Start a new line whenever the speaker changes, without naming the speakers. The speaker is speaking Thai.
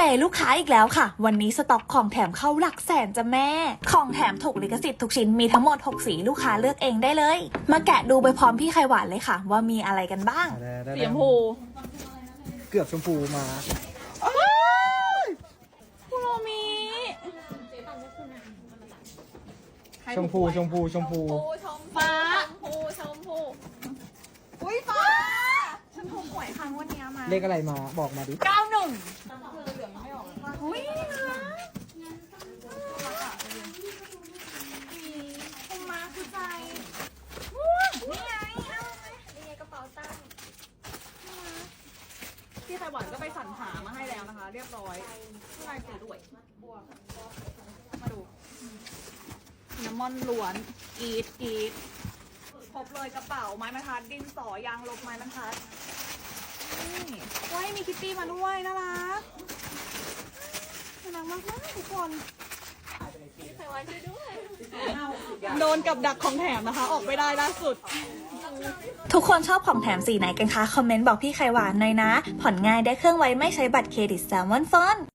ย์ลูกค้าอีกแล้วค่ะวันนี้สต็อกของแถมเข้าหลักแสนจ้ะแม่ของแถมถูกลิขสิทธิ์ทุกชิ้นมีทั้งหมด6สีลูกค้าเลือกเองได้เลยมาแกะดูไปพร้อมพี่ไข่หวานเลยค่ะว่ามีอะไรกันบ้าง
สีชมพู
เกือบชมพูมา
คุโรมิ
ชมพูชมพูชมพู
ฟ้าชมพูอุ้ยฟ้าฉันถูกหวยครั้งวันนี้มา
เลขอะไรมาบอกมาดิ
91อุ้ยนี่นะคุณมาคือใจนี่ไงนี่ไงกระเป๋าตังค์พี่ไข่หวานก็ไปสรรหามาให้แล้วนะคะ เรียบร้อยผู้ชายสวยด้วยมาดูน้ำมันล้วนอีทครบเลยกระเป๋าไม้บรรทัดดินสอยางลบไม้บรรทัดนี่ว้ายมีคิตตี้มาด้วยน่ารักมากทุกคนโดนกับดักของแถมนะคะ ออกไม่ได้ล่าสุด
ทุกคนชอบของแถมสีไหนกันคะคอมเมนต์บอกพี่ไข่หวานหน่อยนะผ่อนง่ายได้เครื่องไว้ไม่ใช้บัตรเครดิตแซลมอนฟอน